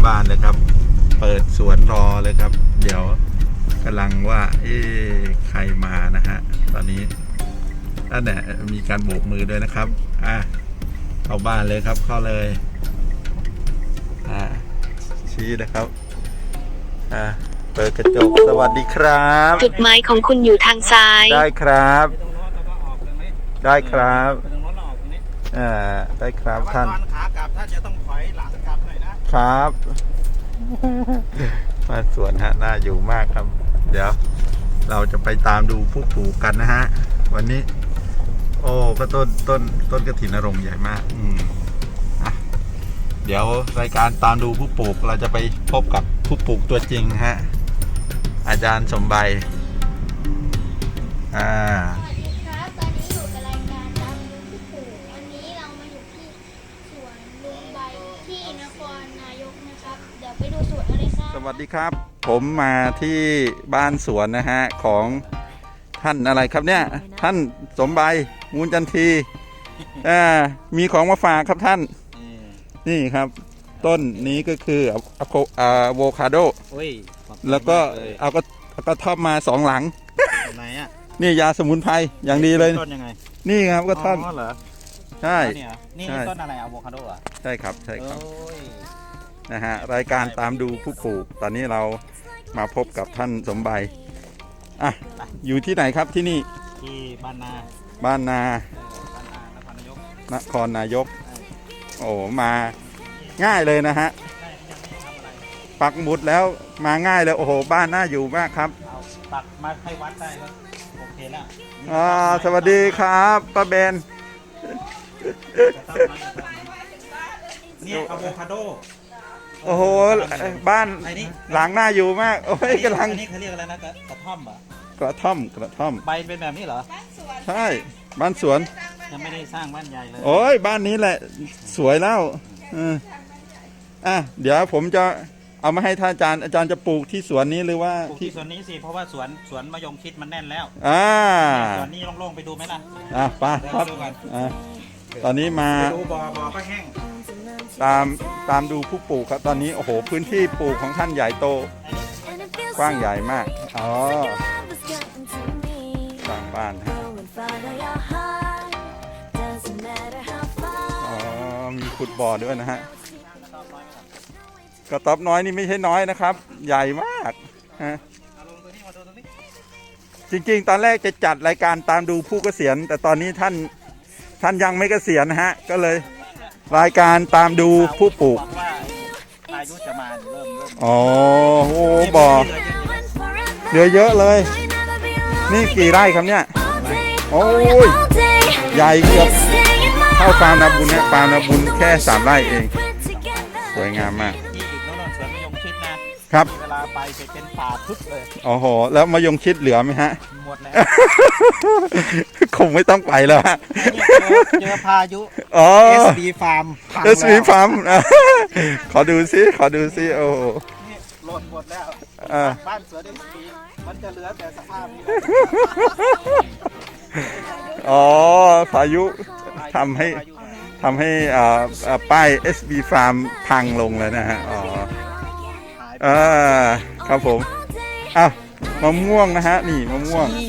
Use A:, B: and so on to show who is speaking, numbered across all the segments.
A: บ้านเลยครับเปิดสวนรอเลยครับเดี๋ยวกำลังว่าใครมานะฮะตอนนี้นั่นแหละมีการโบกมือด้วยนะครับเข้าบ้านเลยครับเข้าเลยชี้นะครับเปิดกระจกสวัสดีครับ
B: จุดหมายของคุณอยู่ทางซ้าย
A: ได้ครับได้ครับได้ครับท่าน
C: ขากลับท่านจะต้องถอยหลังกลับหน่อยนะครับ
A: มาสวนฮะน่าอยู่มากครับเดี๋ยวเราจะไปตามดูผู้ปลูกกันนะฮะวันนี้โอ้ก็ต้นกฐินนรงค์ใหญ่มากเดี๋ยวรายการตามดูผู้ปลูกเราจะไปพบกับผู้ปลูกตัวจริงฮะอาจารย์สมบัย
D: สวัสดีครับตอนนี้อยู่กับรายการตามดูผู้ปลูกวันนี้เรามาอยู่ที่สวนลุงใบที่นครนายกนะครับเดี๋ยวไปดูสวนกันเลยครับ
A: สวัสดีครับผมมาที่บ้านสวนนะฮะของท่านอะไรครับเนี่ยท่านสมบัยมูลจันทีมีของมาฝากครับท่านนี่ครับต้นนี้ก็คืออะโวคาโดแล้วก็เอาก็ทอดมา2 หลัง
C: ไหนอ่ะ
A: นี่ยาสมุนไพรอย่างดีเลย
C: ต้นยังไง
A: นี่ครับก็ท่อน
C: เหรอ
A: ใช่
C: นี่ต้นอะไรอะโวคาโดอ่ะ
A: ใช่ครับใช่ครับนะฮะรายการตามดูผู้ปลูกตอนนี้เรามาพบกับท่านสมบัยอยู่ที่ไหนครับที่นี่
C: ที่บ้านนาน
A: ครนายกโอ้มาง่ายเลยนะฮะปักหมุดแล้วมาง่ายเลยโอ้โหบ้านน่าอยู่มากครับ
C: ปักมาให้วัดได้ก็โอเคแล้ว
A: สวัสดีครับป้าเบน
C: นี่อะโวคาโด
A: โอ้โหบ้านหลังน่าอยู่มากโอ้ยกำลัง
C: นี่เขาเรียกอะไรนะกระท่อม
A: กระท่อม
C: ใบเป็นแบบนี้เหรอ
A: ใช่บ้านสวน
C: ยังไม่ได้สร้างบ้านใหญ่เลย
A: โอ้ยบ้านนี้แหละสวยแล้วเดี๋ยวผมจะเอามาให้ท่านอาจารย์จะปลูกที่สวนนี้หรือว่า
C: ปลูกที่สวนนี้สิเพราะว่าสวนมะยงชิดมันแน่นแล้วสวนนี้โล่งๆไปดูไหมล่ะ
A: ไปครับตอนนี้มา
C: ดูบ่อก็แห้ง
A: ตามดูผู้ปลูกครับตอนนี้โอ้โหพื้นที่ปลูกของท่านใหญ่โตกว้างใหญ่มากสร้างบ้านมีขุดบ่อด้วยนะฮะกระต๊อบน้อยนี่ไม่ใช่น้อยนะครับใหญ่มากฮะจริงๆตอนแรกจะจัดรายการตามดูผู้เกษียณแต่ตอนนี้ท่านยังไม่เกษียณนะฮะก็เลยรายการตามดูผู้ปลูก
C: อายุจะมาเริ่ม
A: โอ้โหบ่อเหลือเยอะเลยนี่กี่ไร่ครับเนี่ยโอ้ยใหญ่เกือบเท่าฟาร์มนาบุญเนี่ยฟาร์มนาบุญแค่3 ไร่เองสวยงามมากครับ
C: เวลาไปจะเป็นป่าทึบเลย
A: โอ้โหแล้วมะยงชิดเหลือไหมฮะ
C: หมดแล้ว
A: คงไม่ต้องไปแล้วฮะ
C: เจอพายุSB Farm
A: SB Farm ขอดูซิโอ้
C: หล่นหมดแล้วบ้านเสือSBมันจะเหลือแต่สภาพนี้
A: พายุทำให้ป้าย SB Farm พังลงเลยนะฮะครับผมมะม่วงนะฮะนี่มะม่วง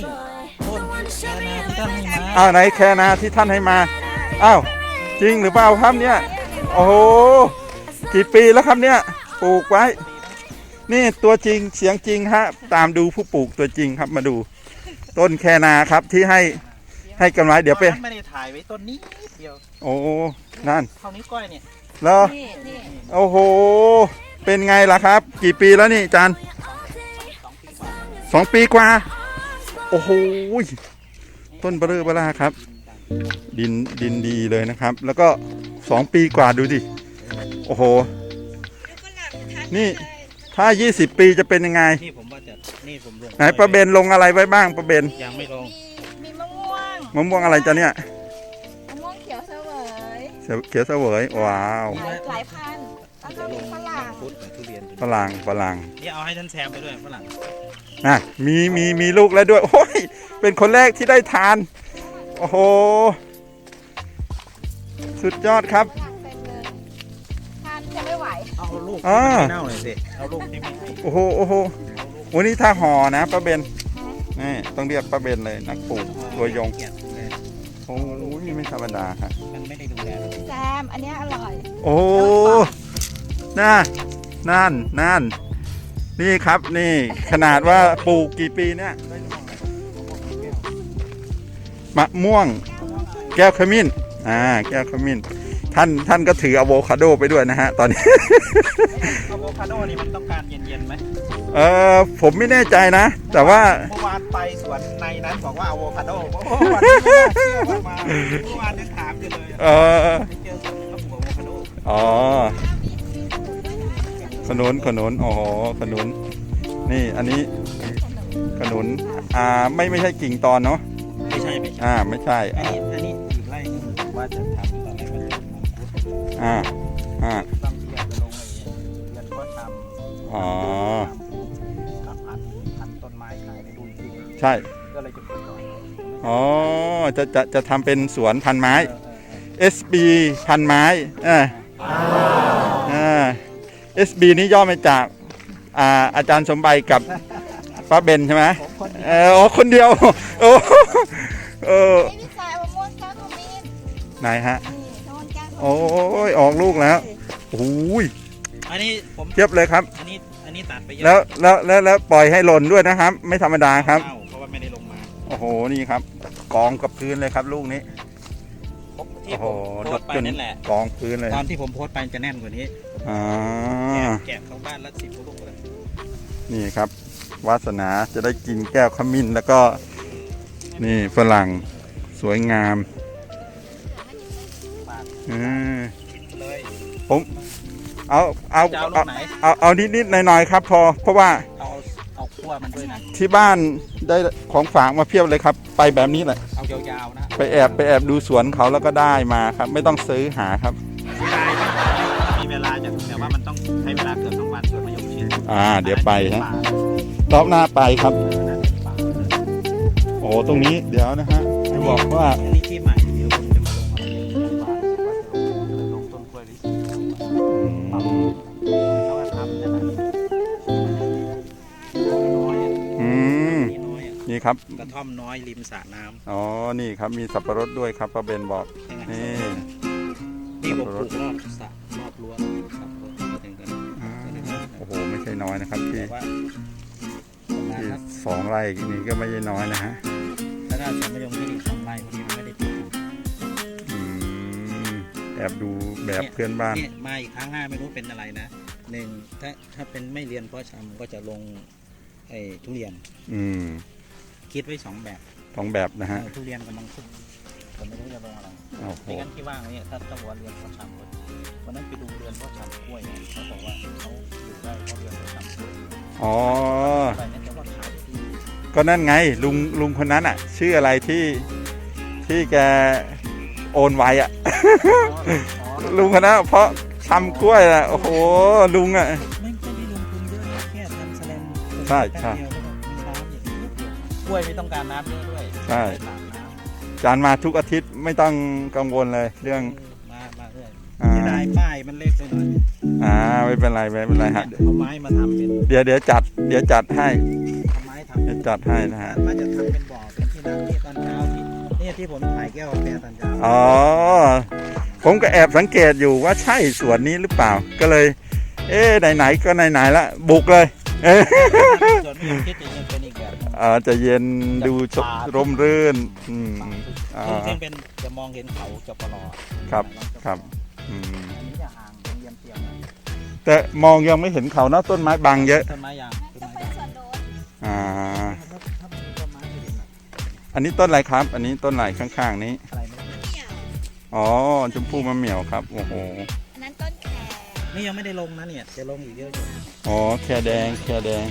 A: ไหนแคนาที่ท่านให้มาจริงหรือเปล่าครับเนี่ยโอ้โหกี่ปีแล้วครับเนี่ยปลูกไว้นี่ตัวจริงเสียงจริงฮะตามดูผู้ปลูกตัวจริงครับมาดูต้นแคนาครับที่ให้กันไว้เดี๋ยวไป
C: ไม่ได้ถ่ายไว้ต้นนี้เดียว
A: โอ้นั่น
C: เท่านี้ก้อยเนี่ย
A: แล้วโอ้โหเป็นไงล่ะครับกี่ปีแล้วนี่อาจารย์2 ปีกว่าโอ้โหต้นเบอร์ครับดินดีเลยนะครับแล้วก็2 ปีกว่าดูดิโอ้โหนี่ถ้า20 ปีจะเป็นยังไง
C: นี่ผมว่าจะนี่ผมลง
A: ไหนประเบนลงอะไรไว้บ้างประเบน
C: ยังไม่ลง
D: มีมะ
A: ม่วงอะไรจ้ะเนี่ย
D: มะม่วงเขียวเส
A: วยว้าว
D: หลายพันแล้วก็มีฝรั่ง
C: นี่เอาให้ท่านแซมไปด้วยฝรั่ง
A: มีลูกแล้วด้วยโอ้ยเป็นคนแรกที่ได้ทานโอ้โหสุดยอดครับ
D: ทานจะไม่ไหว
C: เอาลูกกที่มันไม่เน่าหน่อยสิเอาลูกที่ไม่ให้
A: โอ้โหโอ้โหวันนี้ถ้าห่อนะป้าเบนนี่ต้องเรียกป้าเบนเลยนักปลูกตัวยง
C: เกลียดเลย
A: โอ้ยไม่ธรรมดาครับ
C: มันไม่ได้ดูแลเลย
E: แซมอันเนี้ยอร่อย
A: โอ้นั่นนี่ครับนี่ขนาดว่าปลูกกี่ปีเนี่ยมะม่วงแก้วขมิ้นแก้วขมิ้นท่านก็ถืออะโวคาโดไปด้วยนะฮะตอนนี้
C: อะโวคาโดนี่มันต้องการเย็นๆไหม
A: ผมไม่แน่ใจนะ แต่ว่า
C: เมื่อวานไปสวนในนั้นบอกว่าอะโวคาโดวันนี้ไม่น่าเชื่อว่ามาเมื่อวานยังถามอยู่เลยไปเจอสวนเขาปลูกอะโวคาโด
A: อ๋อขนุนโอ้โหขนุนนี่อันนี้ขนุนไม่ใช่กิ่งตอนเนาะ
C: ไม่ใช่
A: ไม่ใช่
C: อันนี้อีกไร่หนึงผมว่าจะทำตอนแรกมันจะมังคุด
A: อ่า
C: บางทีอาจจะลงเรียนก็ทำ
A: อ๋อ
C: กับพันต้นไม้ขายในดูจริง
A: ใช่
C: ก็เลยจะปลูกก่อน
A: อ๋อจะทำเป็นสวนพันไม้ SB พันไม้SB นี่ย่อมาจากอาจารย์สมบัยกับป้าเบนใช่ไหม
C: ผมคน
A: คนเดียวโอ้
E: ไอ้พี่สายมะม่วงแก้วขมิ้น
A: ไหนฮะ
E: นี่โดนแก้วขมิ้น
A: โอ้ยออกลูกแล้วโอ้ย
C: อันนี้ผม
A: เทียบเลยครับ
C: อันนี้ตัดไปเยอะ
A: แล้วปล่อยให้หล่นด้วยนะครับ ไม่ธรรมดาครับ
C: เพราะว่าไม่ได้ลงมา
A: โอ้โหนี่ครับกองกับพื้นเลยครับลูกนี้
C: ที่
A: โอ้
C: ผ
A: โห
C: มโพสต์ไปนั่นแหละ
A: กองพื้นเลย
C: ตอนที่ผมโพสต์ไปจะแน่นกว่านี้
A: อ่า
C: แกะเข้าบ้านละ10ลูกเลย
A: นี่ครับวาสนาจะได้กินแก้วขมิ้นแล้วก็นี่ฝรั่งสวยงาม
C: เลย
A: ผมเอา
C: จะเอาลูกไหน
A: เอานิดหน่อยๆครับเพราะว่า
C: เอาขั้วมันด้วยนะ
A: ที่บ้านได้ของฝากมาเพียบเลยครับ ไปแบบนี้แหละ
C: เอายาวๆนะ
A: ไปแอบดูสวนเขาแล้วก็ได้มาครับ ไม่ต้องซื้อหาครับ
C: มีเวลาแต่ว่ามันต้องใช้เวลาเกือบ2 วันสวนมะยงชิด
A: เดี๋ยวไปฮะรอบหน้าไปครับ โอ้ตรงนี้เดี๋ยวนะฮะจะบอกว่า
C: อันนี้ที่ใหม่เดี๋ยวผมจะมาลงอะไรลงต้นกล้วยลิแล้วก็ทำนะน้อย
A: อืม
C: น้อย
A: นี่ครับ
C: กระท่อมน้อยริมสระน้ำ
A: อ๋อนี่ครับมีสับปะรดด้วยครับป้าเบนบอก นี่
C: นี่ผมปลูกรอบสระรอบรั้วครับมาถึงกัน
A: โอ้โหไม่ใช่น้อยนะครับที่
C: แต่ว่าประมาณ
A: ที่
C: ครับ
A: 2 ไร่นี่ก็ไม่ใช่น้อยนะฮะ
C: ถ้าได้สวนมะยงชิดอีก2 ไร่พอดีมันไม่ได้ปลูก
A: อืมแอบดูแบบเพื่อนบ้าน
C: เนี่ยมาอีกครั้งหน้าไม่รู้เป็นอะไรนะ1ถ้าเป็นไม่เรียนเพาะชำก็จะลงไอ้ทุเรียน
A: อืม
C: คิดไว้2 แบบ
A: 2 แบบนะฮะ
C: ทุเรียนกับมังคุดผมไม่รู้จะลงอะไร
A: โอ้โห
C: ไม่งั้นที่ว่างเนี่ยถ้าต้องวันเรียนเพาะชำวันนั้นไปดูเรียนเพาะชำกล้วยเนี่ยเขาบอกว่าเขาอยู่ได้เพราะเรียนเพาะชำกล้วย
A: อ๋อ
C: อะไรเนี่ยแต่ว่าขายดี
A: ก็นั่นไงลุงคนนั้นอ่ะ ชื่ออะไรที่แกโอนไว้อ่ะ ลุงคนนั้นเพราะทำกล้วยอ่ะโอ้โหลุงอ่ะ
C: ไม่ได้ลงทุนเยอะนะแค่ทำแสลม
A: ใช่ใช่
C: แป๊บเดียวแล้วก็มีน้ำอย่างนี้กล้วยไม่ต้องการน้ำเยอะด้วย
A: ใช่
C: ตามน้ำ
A: จานมาทุกอาทิตย์ไม่ต้องกังวลเลยเรื่อง
C: มาเรื่อย
A: อ่า
C: ที่ได้ป้ายมันเล็กไปหน่อย
A: ไม่เป็นไรไม่เป็นไรฮะ
C: เอาไม้มาทำเป็น
A: เดี๋ยวจัดให้
C: เอาไม้ทำ
A: เดี๋ยวจัดให้นะฮะ
C: มันจะทำเป็นบ่อเป็นที่นั่งที่ตอนเช้าที่เนี่ยที่ผมถ่ายแก้วกาแฟตอนเช้า
A: อ๋อผมก็แอบสังเกตอยู่ว่าใช่สวนนี้หรือเปล่าก็เลย ไหนๆก็ไหนๆละบุกเลย
C: ส่วนไม่คิดจะยังเป็นอีกแบบหนึ่ง
A: จะเย็นดูร่มรื่น
C: ซึ่งเป็นจะมองเห็นเขาจะปลอ
A: ครับอืม
C: อันนี้จะห่างเป็นเยี่ยมเทียม
A: แต่มองยังไม่เห็นเขานะต้นไม้บังเยอะ
C: ต้นไม้ยางต้น
E: ต้อง
C: ไม้
E: เป็น
C: ยาง
E: สวนโดน
C: ถ้ามันมีต้นไม้จะเห็น
A: อันนี้ต้นอะไรครับ อันนี้ต้นไหนข้างๆนี้
C: อะไรไม่รู้
E: เหนียว
A: อ๋อชมพู่มะเหมี่ยวครับโอ้โห
E: อันนั้นต้นแคร
C: นี่ยังไม่ได้ลงนะเนี่ยจะลงอีกเยอะอยู่
A: อ๋อแคแดง
C: ไม่ได้ลง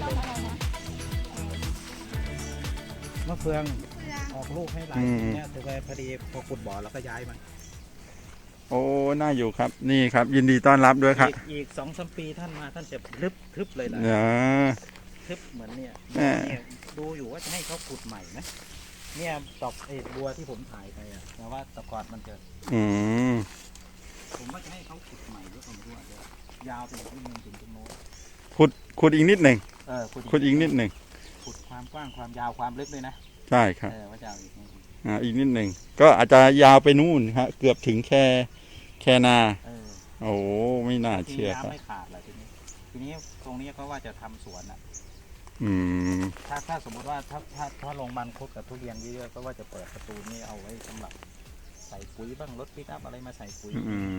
C: มะเฟืองออกลูกให้หลายเนี่ยแต่ว่าพอดีพอขุดบ่อแล้วก็ย้ายมา
A: โอ้น่าอยู่ครับนี่ครับ ยินดีต้อนรับด้วยครับ
C: อีก2-3 ปีท่านมาท่านจะทึบเลยนะ
A: เนี่ย
C: ทึบเหมือนเนี่ย
A: แหม่
C: เนี่ยดูอยู่ว่าจะให้เขาขุดใหม่นะเนี่ยดอกบัวที่ผมถ่ายไปอะแต่ว่าแตะกอนมันจะ
A: อืม
C: ผมว่าจะให้เขาขุดใหม่หรือเปล่าไม่รู้อะเดี๋ยวยาวไปอีกนิดนึงถึงตรงโน้น
A: ขุดอีกนิดหนึ่ง
C: ขุด
A: อีกนิดหนึ่ง
C: ขุดความกว้างความยาวความลึกด้วยนะ
A: ใช่ครับ
C: ว่าจะเอาอีกนิดนึง
A: อีกนิดหนึ่งก็อาจจะยาวไปนู่นฮะเกือบถึงแค่นา โอ้ไม่น่าเชื่อครับ
C: น้ำไม่ขาดเลยทีนี้ตรงนี้ก็ว่าจะทำสวนอ่ะ
A: อืม
C: ถ้าสมมติว่าถ้าลงมันคุดกับทุเรียนเยอะๆก็ว่าจะเปิดประตูนี้เอาไว้สำหรับใส่ปุ๋ยบ้างรถปิกอัพอะไรมาใส่ปุ๋ย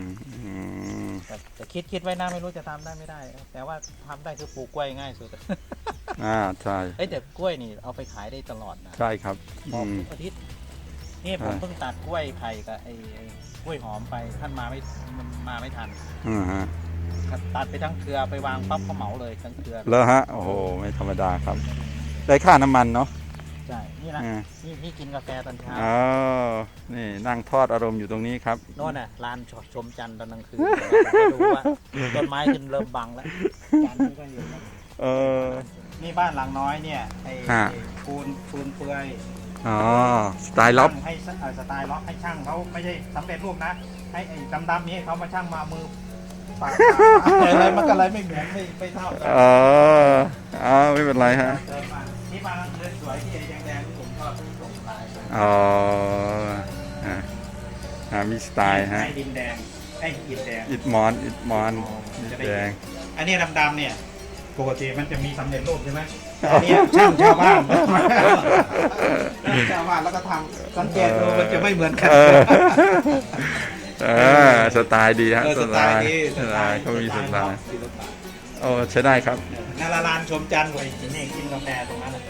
C: แต่คิดไว้นะไม่รู้จะทำได้ไม่ได้ แต่ว่าทำได้คือปลูกกล้วยง่ายสุด
A: ใช่
C: แต่กล้วยนี่เอาไปขายได้ตลอดนะ
A: ใช่ครับ
C: ออกทุกอาทิตย์นี่ผมเพิ่งตัดกล้วยไผ่กับไอ้กล้วยหอมไปท่านมาไม่ทัน
A: ฮะ
C: ตัดไปทั้งเครือไปวางปั๊บเขาเหมาเลยทั้งเครือ
A: แล้วฮะโอ้โหไม่ธรรมดาครับ ได้ค่าน้ำมันเนาะ
C: ใช่นี่นะนี่พี่กินกาแฟตอนเช้า
A: อ๋อนี่นั่งทอดอารมณ์อยู่ตรงนี้ครับ
C: โน่นน่ะลานชมจันทร์ตอนกลางคืนดูว่าต้นไม้ขึ้นเริ่มบังแล้วจันทร์นี่ก็เห็นแล้ว นี่บ้านหลังน้อยเนี่ยไอ้ปูนเปื่อย
A: อ๋อสไตล์ล็อบ
C: ให้สไตล์ล็อกให้ช่างเขาไม่ใช่สำเร็จรูปนะให้ไอ้ดำๆนี้เขามาช่างมามือปากอะไรมันก็เลยไม่เหมือนไม่เท่ากัน
A: ไม่เป็นไรฮะ
C: ที่บ้านหลังเรือนสวยที่แดงๆที่ผมชอบส่งลายไป
A: มีสไตล์ฮะ
C: ให้ดินแดงให้อิฐแดง
A: อิดมอนอิดแดง
C: อันนี้ดำๆเนี่ยปกติมันจะมีสำเร็จรูปใช่ไหมอันนี้ช่างชาวบ้านชาวบ้านแล้วก็ทำสังเกตดูมันจะไม่เหมือนกัน
A: สไตล์ดีฮะ
C: สไตล์ดี
A: เขามีสไตล์โอ้ใช้ได้ครับ
C: นาลานชมจันทร์ไว้กินเองกินกาแฟตรงนั้น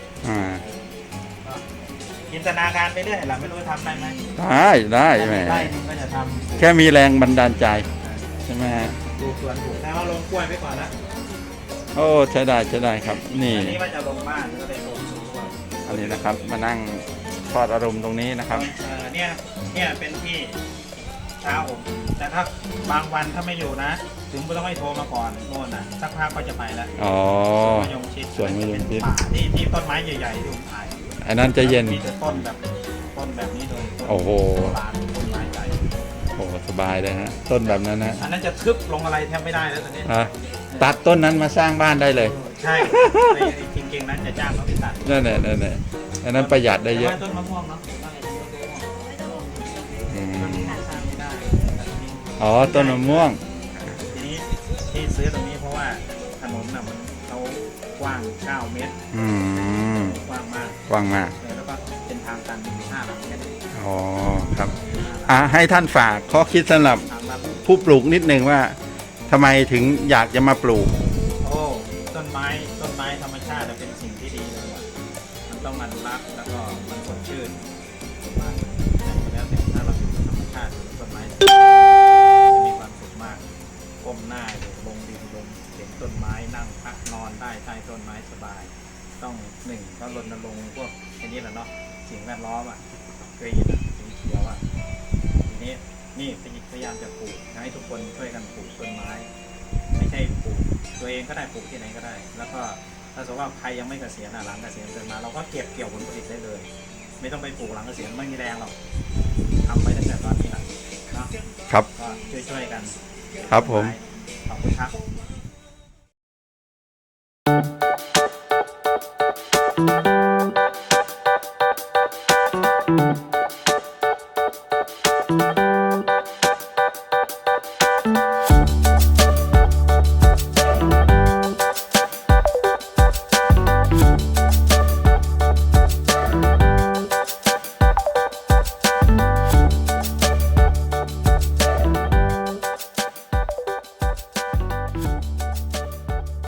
C: จินตนาการไปเรื่อยแหละไม่รู้ทำได้ไหม
A: ได้แหม
C: ได้ก็จะทำ
A: แค่มีแรงบันดาลใจใช่ไหมฮะ
C: ดูสวนปลูกแต่ว่าลงกล้วยไปก่อนนะ
A: โอ้ใช้ได้ครับนี่
C: อันนี้ว่าจะลงบ้านก็เลยลงสวน
A: อันนี้นะครับมานั่งทอดอารมณ์ตรงนี้นะครับ
C: เนี่ยเป็นที่เช้าผมแต่ถ้าบางวันถ้าไม่อยู่นะ ถึงไม่ต้องให้โทรมาก่อนโน่นนะสักพักก็จะไปแล้ว
A: อ๋อ
C: มะยงชิด
A: สวนมะยงชิด
C: ป่าที่ต้นไม้ใหญ่ๆที่ผมถ่าย
A: อันนั้นจะเย็น
C: มีแต่ต้นแบบนี้เลย
A: โอ้โห
C: ป่าต้นไม้ใหญ่
A: โอ้สบายเลยฮะต้นแบบนั้นนะ
C: อันนั้นจะทึบลงอะไรแทบไม่ได้แล้วตอนนี้
A: ตัดต้นนั้นมาสร้างบ้านได้เลย
C: ใช่จริงๆนั้นจะจ้างเขาไปตัด
A: นั่นแหละอันนั้นประหยัดได้เยอะ
C: แต่ว่าต้นมะม่วงเนาะต้นมะม่วงต้นนี้สร้างไม่ได้แต่ต้นนี้
A: อ๋อต้นมะม่วง
C: ทีนี้ที่ซื้อตรงนี้เพราะว่าถนนน่ะมันเขากว้าง9 เมตรกว้างมาก
A: กว้างมาก
C: แล้วก็เป็นทางตัน5 หลังแค่นี้
A: อ๋อครับให้ท่านฝากข้อคิดสำหรับ
C: ทางลัด
A: ผู้ปลูกนิดนึงว่าทำไมถึงอยากจะมาปลูก
C: โอ้ต้นไม้ธรรมชาติเป็นสิ่งที่ดีเลยว่ะมันต้องมันรักแล้วก็มันสดชื่นมากแล้วแต่ถ้าเราอยู่ธรรมชาติต้นไม้จะมีความสุขมากก้มหน้าลงดินลงเห็นต้นไม้นั่งพักนอนได้ใต้ต้นไม้สบาย ต้องก็รณรงค์พวกอันนี้แหละเนาะสิ่งแวดล้อมอ่ะเคยยินสีเขียวอ่ะทีนี้นี่พยายามจะปลูกให้ทุกคนช่วยกันปลูกต้นไม้ไม่ใช่ปลูกตัวเองก็ได้ปลูกที่ไหนก็ได้ แล้วก็ถ้าสมมติว่าใครยังไม่เกษียณหลังเกษียณเกินมาเราก็เก็บเกี่ยวผลผลิตได้เลย ไม่ต้องไปปลูกหลังเกษียณไม่มีแรงหรอกทำไปตั้งแต่ตอนนี้แหละเนาะ
A: ครับ
C: ก็ช่วยกัน
A: ครับผม
C: ขอบคุณครับ